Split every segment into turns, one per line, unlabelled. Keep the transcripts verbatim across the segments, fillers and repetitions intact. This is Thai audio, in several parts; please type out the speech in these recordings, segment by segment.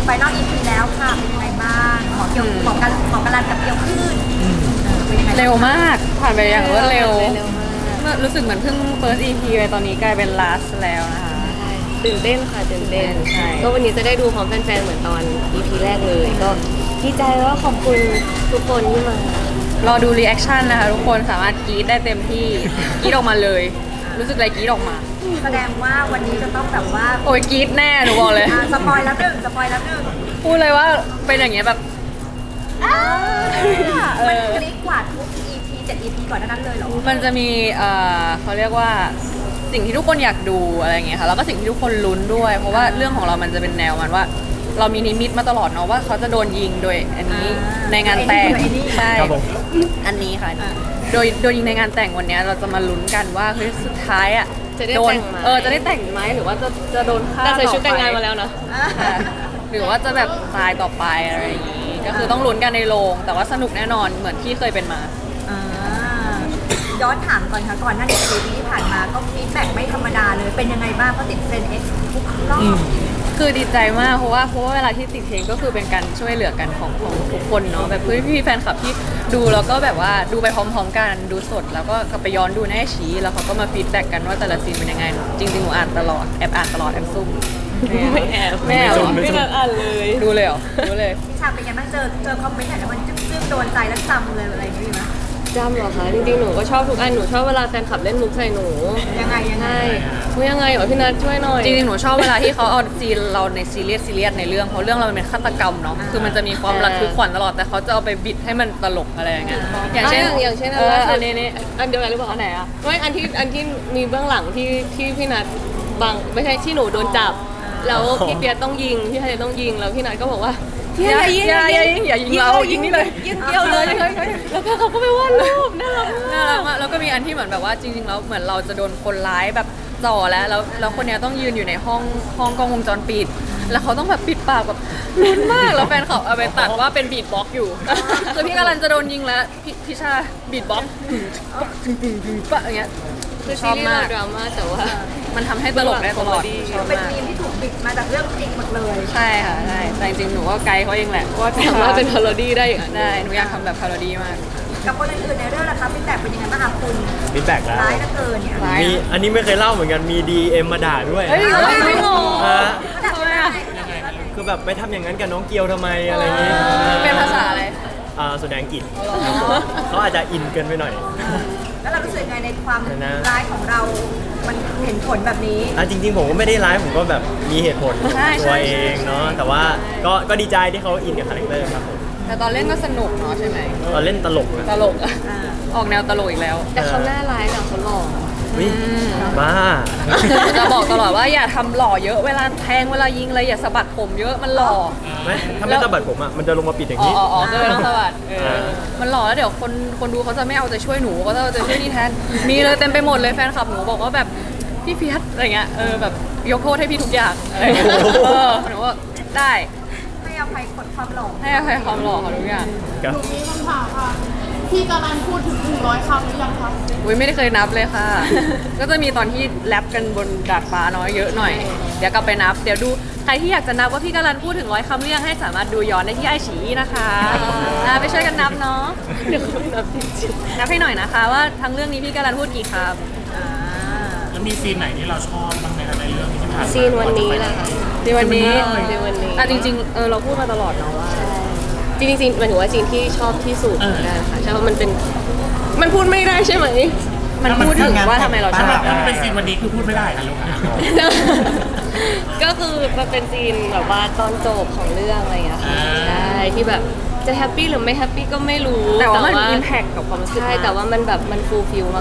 ไฟนอล อี พี แล้วค่ะเป็นยังไงบ้างหมอเกี่ยวหมอกันหมอกันรันกับเกี่ยวขึ้นเป็นยังไง
เร็วมากผ่านไปอย่างรวดเร็ว
เร็วมาก
เมื่อรู้สึกเหมือนเพิ่ง first อี พี ไปตอนนี้กลายเป็น last แล้วนะคะ
ตื่นเต้นค่ะตื่นเต้น
ใช่
ก็วันนี้จะได้ดูพร้อมแฟนๆเหมือนตอน อี พี แรกเลย ก็ดีใจแล้วก็ขอบคุณทุกคนที่มาร
อดู reaction นะคะทุกคนสามารถกรี๊ดได้เต็มที่กรี๊ดออกมาเลย รู้สึกอะไรกรี๊ดออกมา
แสดงว่าวันนี้จะต้องแบบว่า
โอ้ยกรี๊ดแน่หนูบอกเลย
อ่าสปอยแล้วหนึ่งสปอยแล้วหนึ่ง
พูดเลยว่าเป็นอย่างเงี้ยแบบ
อ่า
เออ
มันคลิกกว่าทุก อี พี เจ็ด อี พี ก่อนหน้านั้นเลยเหรอ
มันจะมีเอ่อเขาเรียกว่าสิ่งที่ทุกคนอยากดูอะไรอย่างเงี้ยค่ะแล้วก็สิ่งที่ทุกคนลุ้นด้วย เพราะว่าเรื่องของเรามันจะเป็นแนวมันว่า เรามีนิมิตมาตลอดเนาะว่าเขาจะโดนยิงโดยอันนี้
อ่า
ในงานแต่ง
ไอ้นี่
ใช่
ครับผม
อันนี้ค่ะโดยโดยยิงในงานแต่งวันเนี้ยเราจะมาลุ้นกันว่าเฮ้ยสุดท้ายอ่ะ
จะได้
โดน
แต่งไหม
เออจะได้แต่งไหมหรือว่าจะจะโดนฆ่า
แต่ใส่ชุด
อไป
แต่งงานมาแล้วนะ
อ่า
ค่ะหรือว่าจะแบบตายต่อไปอะไรอย่างงี้ก็คือต้องลุ้นกันในโรงแต่ว่าสนุกแน่นอนเหมือนที่เคยเป็นมา
อ่าย้อนถามก่อนค่ะก่อนหน้านี้ อี พี ที่ผ่านมาก็ฟีดแบ็กไม่ธรรมดาเลยเป็นยังไงบ้างเพราะติดเทรนด์ X ทุกรอบ
คือดีใจมากเพราะว่าเพราะว่าเวลาที่ติดเพลงก็คือเป็นการช่วยเหลือกันของของทุกคนเนาะแบบเพื่อนพี่แฟนคลับที่ดูแล้วก็แบบว่าดูไปพร้อมๆกันดูสดแล้วก็กลับไปย้อนดูในไอชีแล้วเขาก็มาฟีดแบ็กกันว่าแต่ละซีนเป็นยังไงจริงๆหนูอ่านตลอดแอบอ่านตลอดแอบซุ่ม
ไม่แอบ
ไม่แอบเหรอ
ไม่นัดอ่านเลย
ดูเลยเหรอดูเลย
พี่ชาเป็นยังไงบ้างเจอเจอคอมเมนต์ไหนแล้วมันจึ้งจึ้งๆโดนใจแล้วจำเลยอะไรอย่างนี้ไหม
จำเหรอคะจริงๆหนูก็ชอบทุกอันหนูชอบเวลาแฟนคลับเล่นมุกใส่หนู
ยังไงยังไง
ใช่มุกยังไงเหรอพี่นัทช่วยหน่อย
จริงๆหนูชอบเวลาที่เขาเอาซีนเราในซีเรียสซีเรียสในเรื่องเพราะเรื่องเรามันเป็นฆาตกรรมเนาะคือมันจะมีความระทึกขวัญตลอดแต่เขาจะเอาไปบิดให้มันตลกอะไรอย่างเงี้ยอย่างเช่น
ะอย่างเช่น
เออ
ล่าสุ
อั
ด
นนี้นี่
อันเดียวกันหรือเปล่า
อันไหนอะ
ไม่อันที่อันที่มีเบื้องหลังที่ที่พี่นัทบังไม่ใช่ที่หนูโดนจับ แล้วพี่เปียต้องยิงพี่ไทยต้องยิงแล้วพี่นัทก็บอกว่าพี่
อย่า
ไทยยิง
อย่าอย่ายิงอย่ายิงเรายิงนี่เลย
ยิงเดียวเลย
เฮ้ยเฮ้ย
แล้วก็เขาก็ไปวาดรูปน่ารัก
น่ารักมากแล้วก็มีอันที่เหมือนแบบว่าจริงๆแล้วเหมือนเราจะโดนคนร้ายแบบจ่อแล้วแล้วแล้วคนเนี้ยต้องยืนอยู่ในห้องห้องกล้องวงจรปิด แล้วเขาต้องแบบปิดปากแบบลุ้นมากแล้วแฟนเขาเอาไปตัดว่าเป็นบีทบ็อกซ์อยู่คือพี่กำลังจะโดนยิงแล้วพี่พี่ชาบีทบ็อกซ์ตึงตึงตึงปะอย่างเงี้ย
คือ
ช
ซี
อบ
รีส์
มา
เรา
ก
ดราม่าแต่ว่า
มันทำให้ตลกได้ตลอดชอบ
เป็น
มาก
มีมที่ถูกบิดมาจากเรื่องจริงหมดเลย
ใช่ค่ะใช่แต่จริงๆหนูก็ไกด์เขาเองแหละว่า
สามารถเป็นพาโรดี้ได้อย่างนั้น
ได้หนูอยากทำแบบพาโรดี้มาก
กับคนอื่นๆในเรื่องล่ะครับฟีดแบ็กเป็นยังไงบ้างคะคุณ
ฟีดแบ็กแล้ว
ร้ายเหลือเกินเนี่ย
ร้าย
มีอันนี้ไม่เคยเล่าเหมือนกันมี ดี เอ็ม มาด่าด้วย
เฮ้ยเฮ้ยไม่งง
อ่า
ระดับยังไง
คือแบบไปทำอย่างนั้นกับน้องเกียวทำไมอะไรอย่างงี้
เป็นภาษาอะไร
อ่าแสดงอังกฤษเขาอาจจะอินเกินไปหน่อย
แล้วเรารู้สึกยังไงในความ
นะ
ร้ายของเรา มันเห็นผลแบบนี้
อ่ะจริง ๆ ผมก็ไม่ได้ร้ายผมก็แบบมีเหตุผล
ใช่ใช่
ตัวเองเนาะแต่ว่าก็ก็ดีใจที่เขาอินกับคาแรคเตอร์ครับผม
แต่ตอนเล่นก็สนุกเนาะใช่ไหม
ตอนเล่นตลกนะ
ตลกอะ
อ่า
ออกแนวตลกอีกแล้ว
แต่เขาน่าร้ายนะเขาหล่อ
วิบ้า
จะบอกตลอดว่าอย่าทำหล่อเยอะเวลาแทงเวลายิงอะไรอย่าสะบัดผมเยอะมันหล่อ
ไม่ถ้าไม่สะบัดผมอ่ะมันจะลงมาปิดอย่าง
อ๋อ
นี้
อ๋ออ๋อก็เลยต้องสะบัดเอ
อ่า
อมันหล่อแล้วเดี๋ยวคนคนดูเขาจะไม่เอาใจช่วยหนูเขาจะเอาใจช่วยนี่แทนมีเลยเต็มไปหมดเลยแฟนคลับหนูบอกว่าแบบพี่เฟียสอะไรเงี้ยเออแบบยกโทษให้พี่ทุกอย่างอะไรเงี้ยเออหนูว่าได้
ให้อภัยคนความหลง
ให้อภัยความหล่อเขาทุกอย่าง
ครับ
หนูมีคำถามค่ะ พี่การันพูดถึงหนึ่งร้อยคำหรือยังคะ
อุ้ยไม่ได้เคยนับเลยค่ะ ก็จะมีตอนที่แรปกันบนดาดฟ้าน้อยเยอะหน่อย เดี๋ยวกลับไปนับ เดี๋ยวดูใครที่อยากจะนับว่าพี่การันพูดถึงร้อยคำหรือยังให้สามารถดูย้อนได้ที่ไอฉีนะคะอ่าไปช่วยกันนับเนาะ
เดี๋ยวเขานับจริง
นับให้หน่อยนะคะว่าทั้งเรื่องนี้พี่การันพูดกี่ค
อ่า
แล้วมีซีนไหนที่เราชอบบ้างไหมคะในเรื่องที่ผ่านมา
ซีนวันนี้แหละค่ะ
ำในวันนี้
ซีนวันนี้
อ่ะจริงๆเออเราพูดมาตลอดเนาะว่า
จริงๆซีนหมายถึงว่าซีนที่ชอบที่สุดนะคะใช่เพราะมันเป็นมันพูดไม่ได้ใช่ไหม
มันพูดถึงว่าทำไมเราชอบ
ถ้ามันเป็นซีนวันนี้คือพูดไม่ได้ค่ะลูกค่ะ
ก็คือมันเป็นซีนแบบว่าตอนจบของเรื่องอะไรอย่างเงี้ยค่ะใช่ที่แบบจะแฮปปี้หรือไม่แฮปปี้ก็ไม่รู้
แต่ว่ามันอิมแพคกับความรู้สึก
ใช่แต่ว่ามันแบบมันฟูลฟิลมาก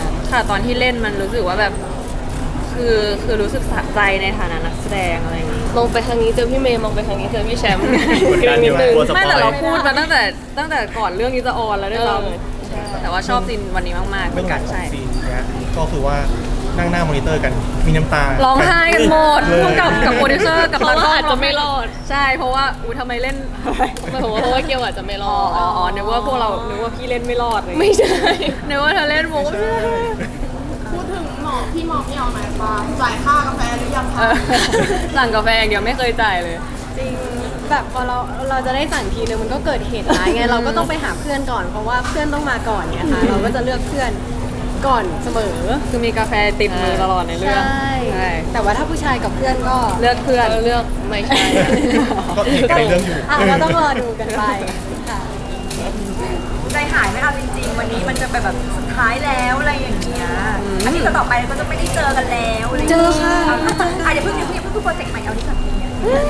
ค่ะตอนที่เล่นมันรู้สึกว่าแบบ คือคือรู้สึกสะใจในฐานะนักแสดงอะไรอย่างงี้
ๆมองไปทางนี้เจอพี่เมย์มองไปทางนี้เจอพี่แชมป์
กดดันอยู่
นิดนึง
กลัวสป
ไม่
อย
แต่เราพูดมาตั้งแต่ตั้งแต่ก่อนเรื่องนี้จะออนแล้วด้วยซ้
เออใช่
ำแต่ว่าชอบซีนวันนี้มากๆเหมื
เบื้
อ
อง
น
ห
กั
ลั
น
งขอ
ใช่
งซีนเนี้ยก็คือว่านั่งหน้ามอนิเตอร์กันมีน้ำตา
ร้องไห้กันหมด
เลย
พวกกับกับโปรดิวเซอร์กับ
เพราะว่าอาจจะไม่รอด
ใช่เพราะว่าอุ้ยทำไมเล่น
หมายถึงว่าเพราะว่าเกียวอาจจะไม่ร
อ๋
อ
อ
ด
อ๋ออ๋อนึกว่าพวกเรานึกว่าพี่เล่นไม่รอดเลย
ไม่ใช่
นึกว่าเธอเล่นโมก็
พูดถึงหมอพี่หมอพี่เอาไหนบ้างจ่ายค่ากาแฟหรือยัง
เอ
คะ
อสั่งกาแฟอย่างเดียวไม่เคยจ่ายเลย
จริงแบบพอเราเราจะได้สั่งทีนึงมันก็เกิดเหตุร้ายไงเราก็ต้องไปหาเพื่อนก่อนเพราะว่าเพื่อนต้องมาก่อนเนี่ยค่ะเราก็จะเลือกเพื่อนก่อนเสมอ
คือมีกาแฟติดมือตลอดในเรื่อง
ใช่แต่ว่าถ้าผู้ชายกับเพื่อนก็
เลือกเพื่อน
เลือกไม่ใช่
ก็อีกไกลเรื่องอยู่
อ่ะเราต้องรอดูกันไปค่ะ
ใจหายไหมเอาจริงๆ วันนี้มันจะเป็นแบบสุดท้ายแล้วอะไรอย่างเงี้ยอาทิตย์ต่อไปก็จะไม่ได้เจอกันแล้วอะไรอย่าง
เจ
เงี้ย
อค่ะ
อ่ะอย่าเพิ่งอย่าเพิ่งอย่าเพิ่งโปรเจกต์ใหม่เอาที่ก่อนเนี่ย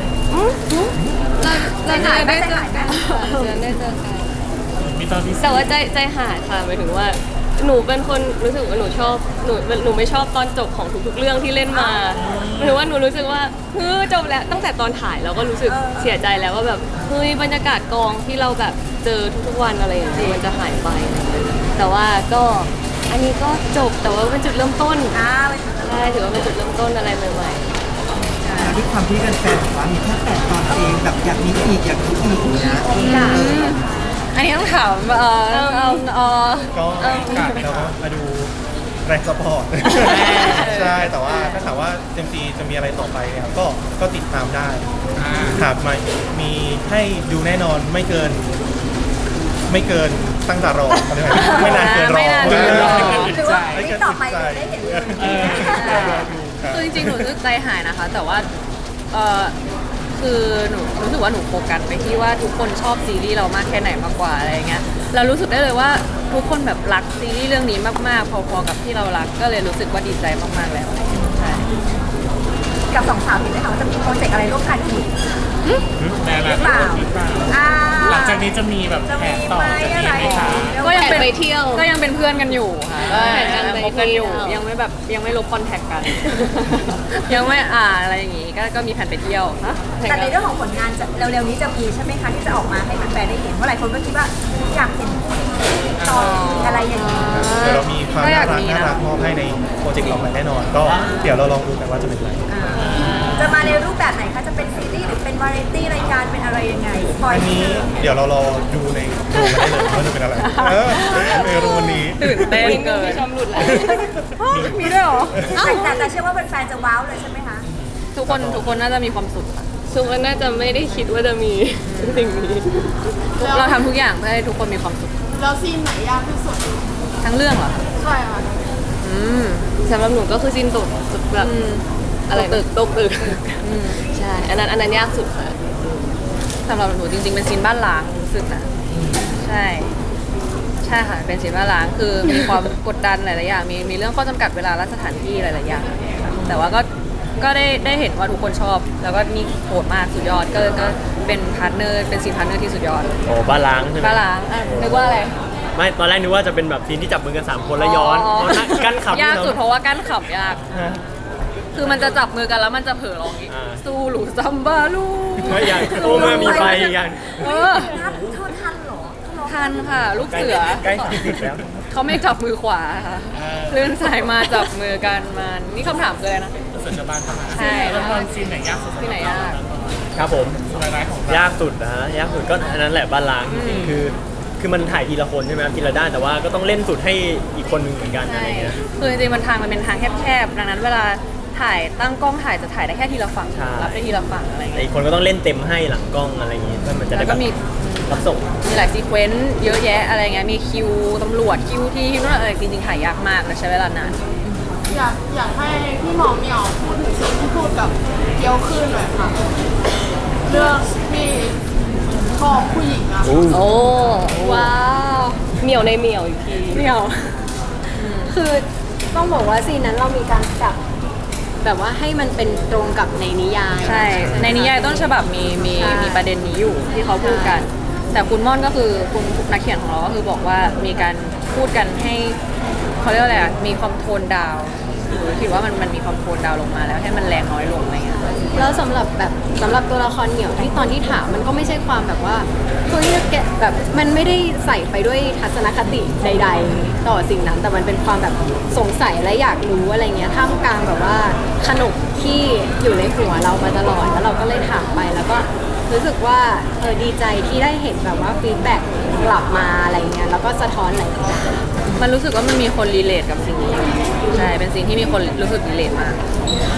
เรา
ใจหายไหมใจหายไหม
จะได้เจอกัน
มีตอนที่
แต่ว่าใจใจหายค่ะหมายถึงว่า หนูเป็นคนรู้สึกว่าหนูชอบหนูหนูไม่ชอบตอนจบของทุกๆเรื่องที่เล่นมาหมายถึงว่าหนูรู้สึกว่าเฮ้ยจบแล้วตั้งแต่ตอนถ่ายเราก็รู้สึกเสียใจแล้วว่าแบบเฮ้ยบรรยากาศกองที่เราแบบเจอทุกๆวันอะไรอย่างเงี้ยมันจะหายไปอะไรอย่างเงี้ยแต่ว่าก็อันนี้ก็จบแต่ว่าเป็นจุดเริ่มต้น
อ่า
ใช่ถือว่าเป็นจุดเริ่มต้นอะไรใหม่
ด้วยความที่แฟนๆบอกว่ามีแค่แปดตอนเองแบบอยากมีอีกอยากมีอีกอย่างเงี้ย
อันนี้ต้องถามเออเออเออ
ก็กัดแล้วก็มาดูแรงสปอร์ต ใช่ แต่ว่าถ้าถามว่าเจมซีจะมีอะไรต่อไปเนี่ยก็ก็ติดตามได้ครับมามีให้ดูแน่นอนไม่เกิน ไม่เกินตั้งแต่รออะไรแบบนี้ไม่นานเกินรอ
ไม่นานเกินรอ
หรือว่าที่ต่อไปเราได้เห็นเลย
คือจริงๆ หนูรู้สึกใจหายนะคะ แต่ว่าเออคือหนูรู้สึกว่าหนูโฟกัสไปที่ว่าทุกคนชอบซีรีส์เรามากแค่ไหนมากกว่าอะไรอย่างเงี้ยเรารู้สึกได้เลยว่าทุกคนแบบรักซีรีส์เรื่องนี้มากๆพอๆกับที่เรารักก็เลยรู้สึกว่าดีใจมากๆแล้วใช่
กับสองสาวเห็นไหมคะว่าจะมีโปรเจกต์อะไรร่วมกันอีก
แม่
ห
แบ
รื
บ
อเปล่า
หรือเปล่า
อ่า
หลังจากนี้จะมีแบบ
จะ
แผ
มี
นต่อ
ไหม
จะ
อะไร
มีไหมคะ
ก็ยังเป็น
ไปเที่ยว
ก็ยังเป็นเพื่อนกันอยู่ค่ะ
แข่งกันไป
คบกันอยู่
เที่ยว
ยังไม่แบบยังไม่ลบคอนแทคกัน ยังไม่อ่าอะไรอย่างงี้ก็ก็มีแผนไปเที่ยวฮะ
แต่ในเรื่องของผลงานจะเร็วๆนี้จะมีใช่ไหมคะที่จะออกมาให้แฟนๆได้เห็นเพราะหลายคนก็คิดว่าอยากเห็นคู่นี้ต่ออะไรอย่างนี้
เดี๋ยวเรามีความ
ก็อาก
น่ายรัก
มี
น่า
นะ
รักมอบให้ในโปรเจกต์เราใหม่แน่นอน ก็เดี๋ยวเราลองดูกันว่าจะเป็นอะไร
จะมาในรูปแบบไหนคะ จะเป็นซีรีส์หรือเป็นวาไรตี้รายการเป็นอะไรยังไงสปอย
อัน
นิด
นี้
นึง
เดี๋ยวเรารอดูในโรงมาได้เลยว่าจะเป็นอะไรเออในโรงนี้
ตื่นเต้นเกิน
ๆชมหลุดแล้ว
มีด้วยเหรอ
แต่แต่แต่เชื่อว่าแฟนๆจะว้าวเลยใช่ไหมคะ
ทุกคนทุกคนน่าจะมีความสุขค่ะ
ซุปว่าน่าจะไม่ได้คิดว่าจะมีสิ่งนี้
เราทำทุกอย่างเพื่อให้ทุกคนมีความสุข
แล้วซีนไหนยากที่สุด
ทั้งเรื่องเหรอคะ
ใช่ค่ะ
อืม
สำหรับหนูก็คือซินตกแบบ
อืม
อะไรตึกตกตึก
อืม
ใช่อันนั้นอันนั้นยากสุดค่ะ
สำหรับหนูจริงๆเป็นซีนบ้านล้างรู้สึกนะใช่ ใช่ค่ะเป็นซีนบ้านล้างคือมีความกดดันหลายๆอย่างมีมีเรื่องข้อจำกัดเวลาและสถานที่หลายๆอย่างแต่ว่าก็ก็ได้ได้เห็นว่าทุกคนชอบ แล้วก็นี่โหดมากสุดยอดก็ก็เป็นพาร์ทเนอร์เป็นซีนพาร์ทเนอร์ที่สุดยอด
โอ้บ้านล้างใช่ไหม
บ้านล้างอ่ะนึกว่าอะไร
ไม่ตอนแรกนึกว่าจะเป็นแบบซีนที่จับมือกันสามคนแล้วย้อนเพราะนั่งกั้นขำ
ยากสุด
เน
เพ
อะ
ราะว่ากั้นขำยาก
ฮะ
คือมันจะจับมือกันแล้วมันจะเผลอร้องอีก
อ่า
สู้หลูซัมบาลู
ไม่อยากโอ้เมื่อมีไฟอีกอย่าง
เออ
ทันเธอทันเหรอเขาร้อง
ทันค่ะ ลูกเสือ
ใกล้สามสิบแล้ว
เขาไม่จับมือขวาค่ะเลื่อนซ้ายมาจับมือกันมานี่คำถามคืออะไรนะ
เสร็จจะบ้านประมาณ
ใช่
แล้วตอนซีนไหนยากสุด
ที่ไหนยาก
ครับผม
รายได้ของ
ยากสุดนะฮะยากสุดก็อันนั้นแหละบ้านล้างจริงๆคือ คือมันถ่ายทีละคนใช่ไหมครับทีละด้านแต่ว่าก็ต้องเล่นสุดให้อีกคนหนึงเหมือนกันอะไร
ใช่
เงี้ย
คือจริงๆมันทางมันเป็นทางแคบๆ ดังนั้นเวลาถ่ายตั้งกล้องถ่ายจะถ่ายได้แค่ทีละฝั่ง
ใช่
รับได้ทีละฝั่งอะไรอย่าง
แต่
เงี้ย
อีกคนก็ต้องเล่นเต็มให้หลังกล้องอะไรอย่างงี้เพื่อมันจะ
แล้
ได้
ว
แบ
ก็
บ
มี
รับส่ง
มีหลายซีเควนต์เยอะแยะอะไรเงี้ย มีคิวตำรวจคิวที่ที่นู่นอะไรจริงๆถ่ายยากมากและใช้เวลานาน
อยากอยากให้พี่หมอเหมียวพูดถึงซีนที่พูดกับเกียวขึ้นหน่อยค่ะ เรื่องที่ชอบผู้หญิงอะ
โอ้ว้าวเหมียวในเหมียวอีกที
เดี่ยว
คือต้องบอกว่าซีนนั้นเรามีการปรับแบบว่าให้มันเป็นตรงกับในนิยาย
ใช่ ในนิยายต้นฉบับมีมี
ใช่
มีประเด็นนี้อยู่ที่เขาพูดกัน แต่คุณม่อนก็คือคุณนักเขียนของเราก็คือบอกว่ามีการพูดกันให้เขาเรียกว่าอะไรอะมีความโทนดาวน์หรือคิดว่ามันมันมีความโทนดาวน์ลงมาแล้วให้มันแรงน้อยลงอะไรเงี้ย
แล้วสำหรับแบบสำหรับตัวละครเหมียวที่ตอนที่ถามมันก็ไม่ใช่ความแบบว่าเฮ้ยแกแบบมันไม่ได้ใส่ไปด้วยทัศนคติใด ๆ ต่อสิ่งนั้น แต่มันเป็นความแบบสงสัยและอยากรู้อะไรเงี้ยท่ามกลางแบบว่าขนบที่อยู่ในหัวเรามาตลอดแล้วเราก็เลยถามไปแล้วก็รู้สึกว่าเออดีใจที่ได้เห็นแบบว่าฟีดแบ็กกลับมาอะไรเงี้ยแล้วก็สะท้อนหลายอย่าง
มันรู้สึกว่ามันมีคนรีเลทกับสิ่งนี้อยู่ใช่ เป็นสิ่งที่มีคนรู้สึกรีเลทมาก
อ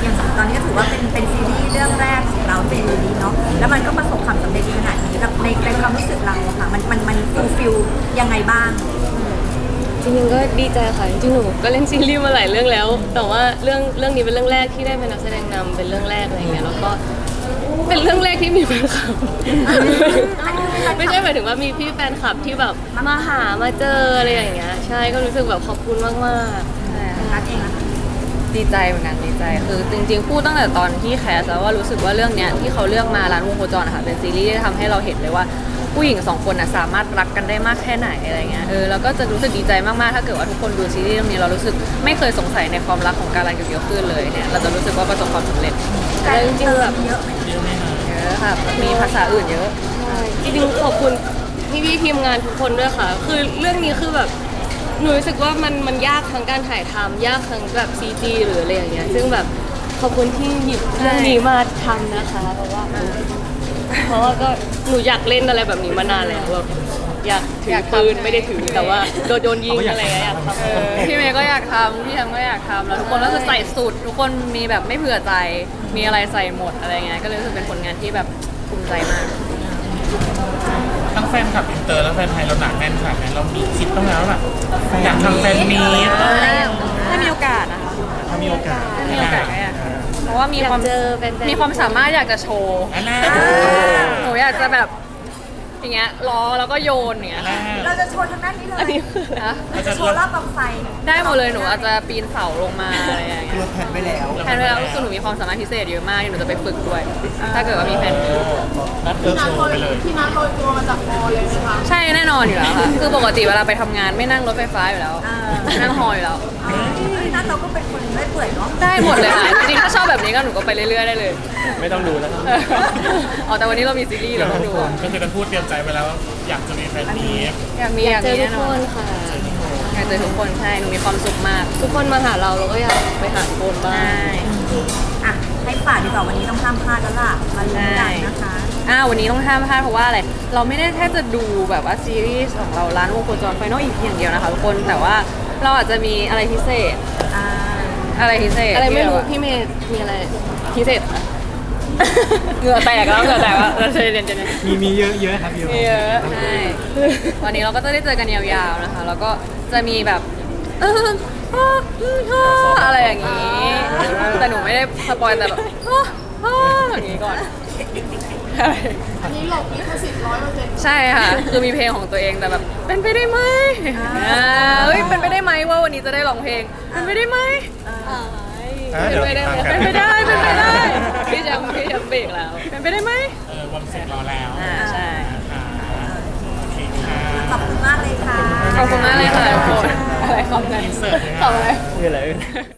อย่างตอนนี้ก็ถือว่าเป็นเป็นซีรีส์เรื่องแรกของเราซีรีส์นี้เนาะแล้วมันก็ประสบความสำเร็จขนาดนี้แบบในในความรู้สึกเราอะค่ะมันมันมันฟูลฟิลยังไงบ้าง
จริงๆก็ดีใจค่ะจริงๆหนูก็เล่นซีรีส์มาหลายเรื่องแล้ว แต่ว่าเรื่องเรื่องนี้เป็นเรื่องแรกที่ได้เป็นนักแสดงนำเป็นเรื่องแรกอะไรเงี้ยแล้วก็เป็นเรื่องแรกที่มีแฟนคลับ ไม่ใช่หมายถึงว่ามีพี่แฟนคลับที่แบบมาหามาเจออะไรอย่างเงี้ยใช่ก็รู้สึกแบบขอบคุณมากๆ
ใช่
รักเองอะ
ดีใจเหมือนกันดีใจคือจริงๆพูดตั้งแต่ตอนที่แคสแล้วว่ารู้สึกว่าเรื่องเนี้ยที่เขาเลือกมาร้านวงโคจรนะคะเป็นซีรีส์ที่ทำให้เราเห็นเลยว่าผู้หญิงสองคนน่ะสามารถรักกันได้มากแค่ไหนอะไรเงี้ยเออแล้วก็จะรู้สึกดีใจมากๆถ้าเกิดว่าทุกคนดูซีรีส์เรื่องนี้เรารู้สึกไม่เคยสงสัยในความรักของการันกับเกียวขึ้นเลยเนี่ยเราจะรู้สึกว่าประสบความสำเร็จ
แล้วจริงๆแบบ
เยอะไหม
เยอะค่ะมีภาษาอื่นเยอะ
ใช่จริงๆขอบคุณพี่พี่ๆทีมงานทุกคนด้วยค่ะ คือเรื่องนี้คือแบบหนูรู้สึกว่ามันมันยากทั้งการถ่ายทำยากทั้งแบบ ซี จี หรืออะไรอย่างเงี้ยซึ่งแบบขอบคุณที่หยิบเรื่องนี้มาทำนะคะเพราะว่าเพราะว่าก็หนูอยากเล่นอะไรแบบนี้มานานแล้วแบบอยากถือปืนไม่ได้ถือแต่ว่าโดนโดนยิงอะไรอย่างเงี้ยอยากทำ
เออพี่เมย์ก็อยากทำพี่แฮมก็อยากทำแล้วทุกคนก็คือใส่สุดทุกคนมีแบบไม่เผื่อใจ มีอะไรใส่หมดอะไรเงี้ยก็เลยรู้สึกเป็นผลงานที่แบบภูมิใจมาก
ทั้งแฟนคลับอินเตอร์และแฟนไทยเราหนักแน่นขนาดไหนเรามีคิดบ้างแล้วล่ะอยากทำแฟนมีต
ถ้ามีโอกาสนะคะ
ถ้ามีโอกาส
ถ้ามีโอกาสก็อยากทำเพราะว่ามีความ
อยากเจอแฟนๆ
มีความสามารถอยากจะโชว์
อันน่า
หนูอยากจะแบบอย่างเงี้ยล้อแล้วก็โยนอย่างเงี้ย
เราจะโชว์ทางด้านนี้เลย
นะ
เราจะโชว์รอบกองไฟ
ได้หมดเลยหนูอาจจะปีนเสาลงมาอะไรอย่างเงี้ย
เราแผนไว้แล้ว
แทนเวลาก็คือหนูมีความสามารถพิเศษเยอะมากที่หนูจะไปฝึกด้วย ถ้าเกิดว่ามีแฟน
นัดเลิก
พี่นั
โช
ทโร
ว์
ย
ไปเลย
พี่นัทโรยตัวมาจากมอเลยไหมคะ
ใช่แน่นอนอยู่แล้วค่ะ คือปกติเวลาไปทำงานไม่นั่งรถไฟฟ้าอยู่แล้ว
อ่า
นั่งฮออยู่แล้ว
นั่นเราก็เป็นคนไม่เปื่อยเนาะ
ได้หมดเลยค่ะ จริงๆถ้าชอบแบบนี้ก็หนูก็ไปเรื่อยๆได้เลย
ไม่ต้องดูแล้วครับ
อ๋อแต่วันนี้เรามีซีรีส์เราต้องดู
ก็คือกันพูดเตรียมใจไปแล้วว่าอยากจะมีแฟนมีต
อยากมีอยาก ก
อายเจ
มี
อทุ
แน่
ก
น
ค
อน
นค่ะ
อยากเจอทุกคนใช่ หนูมีความสุขมาก
ทุกคนมาหาเราเราก็อยากไปหาทุกคนบ้าง
ใช่
อ่ะให้ฝากดีกว่าวันนี้ต้องห้ามพลาดแล้วล่ะมาลุ้นกันนะคะ
อ่าวันนี้ต้องห้ามพลาดเพราะว่าอะไร เราไม่ได้แค่จะดูแบบว่าซีรีส์ของเราร้านวงโคจรไฟนอลอีกอย่างเดียวนะคะทุกคน แต่ว่าเราอาจจะมีอะไรพิเศษ
อ่า
อะไรพิเศษ
อะไรไม่รู้
ที่แบบว่า
พี่เมย์มีอะไรพิเศษคะ
เหงื่อแตกแล้วเหงื่อแตกแล้วเราจะเรียนจะเรียน
มีมีเยอะเยอะครับเยอะ
เยอะใช่วันนี้เราก็จะได้เจอกันยาวๆนะคะ แล้วก็จะมีแบบเออเออเอออะไรอย่างนี้ แต่หนูไม่ได้สปอยแต่แบบเออเอออย่างนี้ก่อน
อันนี้หลบลิขสิทธิ์ร้อยเปอร์เซ็นต์
ใช่ค่ะ คือมีเพลงของตัวเองแต่แบบเป็นไปได้ไหมอ่าเฮ้ยเป็นไปได้ไหมว่าวันนี้จะได้ร้องเพลงเป็นไปได้ไหม
อ่ะ
เป็น
เดี๋ยว
ไปได้
ตามกั
เป็นไปได้เป็นไปได้พี่แชมป์พี่แชมป์เบรกแล้วเป็นไปได้ไหม
เออวันเสร็จรอแล้ว
อ่าใช่
อ่าโอเคค่ะ
ขอบคุณมากเลยค่ะ
ขอบคุณมากเลยค่ะทุกคนอะไรคำนั้น
อินเสิร์ตเลย
ขอบ
ค่ะ
คุณ
คืออะไร